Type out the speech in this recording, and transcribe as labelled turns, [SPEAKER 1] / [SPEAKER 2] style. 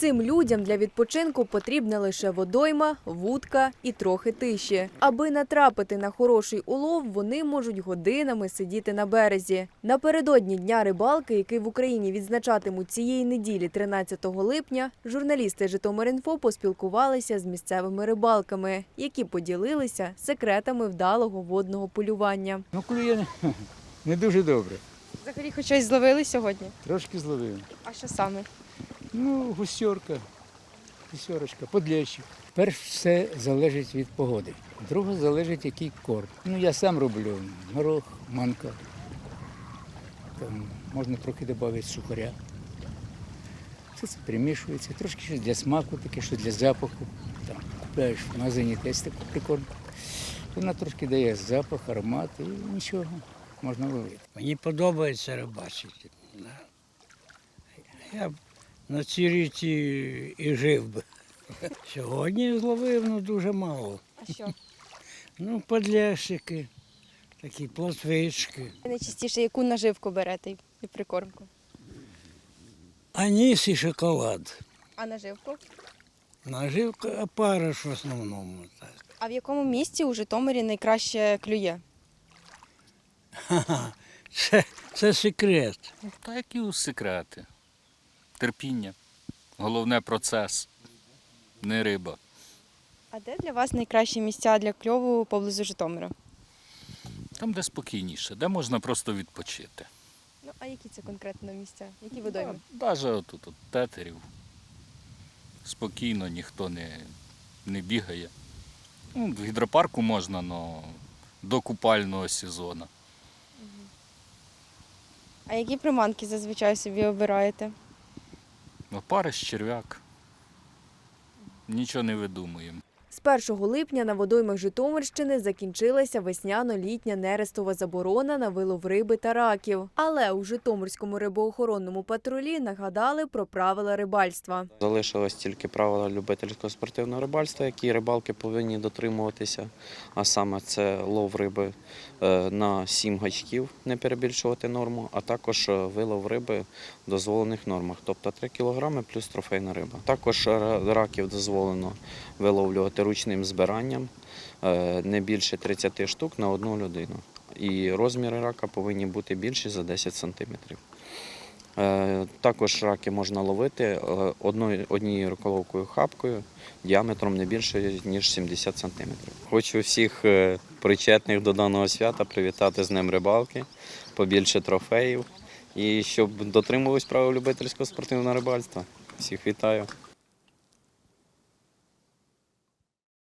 [SPEAKER 1] Цим людям для відпочинку потрібна лише водойма, вудка і трохи тиші. Аби натрапити на хороший улов, вони можуть годинами сидіти на березі. Напередодні Дня рибалки, який в Україні відзначатимуть цієї неділі, 13 липня, журналісти Житомир.Інфо поспілкувалися з місцевими рибалками, які поділилися секретами вдалого водного полювання.
[SPEAKER 2] Клює не дуже добре.
[SPEAKER 3] Взагалі хоч щось зловили сьогодні?
[SPEAKER 2] Трошки зловив.
[SPEAKER 3] А що саме?
[SPEAKER 2] Гусьорочка, подлещик. Перш все залежить від погоди. Друге залежить, який корм. Я сам роблю горох, манка. Там можна трохи додати сухаря. Все це примішується. Трошки щось для смаку, таке, що для запаху. Там купляєш в магазині теж таку прикормку. Вона трошки дає запах, аромат і нічого, можна ловити.
[SPEAKER 4] Мені подобається рибачити. Я б на цій річці і жив би. Сьогодні зловив дуже мало.
[SPEAKER 3] А що?
[SPEAKER 4] Подлящики, такі плотвички.
[SPEAKER 3] Найчастіше яку наживку берете і прикормку?
[SPEAKER 4] Аніс і шоколад.
[SPEAKER 3] А наживку?
[SPEAKER 4] Наживка опариш в основному. Так.
[SPEAKER 3] А в якому місці у Житомирі найкраще клює?
[SPEAKER 4] Це секрет.
[SPEAKER 5] Та які секрети? Терпіння. Головне процес, не риба.
[SPEAKER 3] А де для вас найкращі місця для кльову поблизу Житомира?
[SPEAKER 5] Там, де спокійніше, де можна просто відпочити.
[SPEAKER 3] А які це конкретно місця? Які водойми?
[SPEAKER 5] Навіть отут, от Тетерів. Спокійно, ніхто не бігає. В гідропарку можна, але до купального сезону.
[SPEAKER 3] А які приманки зазвичай собі обираєте?
[SPEAKER 5] Опариш, черв'як. Нічого не видумуємо.
[SPEAKER 1] З 1 липня на водоймах Житомирщини закінчилася весняно-літня нерестова заборона на вилов риби та раків. Але у Житомирському рибоохоронному патрулі нагадали про правила рибальства.
[SPEAKER 6] Залишилось тільки правила любительського спортивного рибальства, які рибалки повинні дотримуватися. А саме це лов риби на 7 гачків, не перебільшувати норму, а також вилов риби в дозволених нормах, тобто 3 кг плюс трофейна риба. Також раків дозволено виловлювати ручним збиранням не більше 30 штук на одну людину. І розміри рака повинні бути більші за 10 сантиметрів. Також раки можна ловити однією руколовкою хапкою діаметром не більше, ніж 70 сантиметрів. Хочу всіх причетних до даного свята привітати з Днем рибалки, побільше трофеїв і щоб дотримувались правил любительського спортивного рибальства. Всіх вітаю.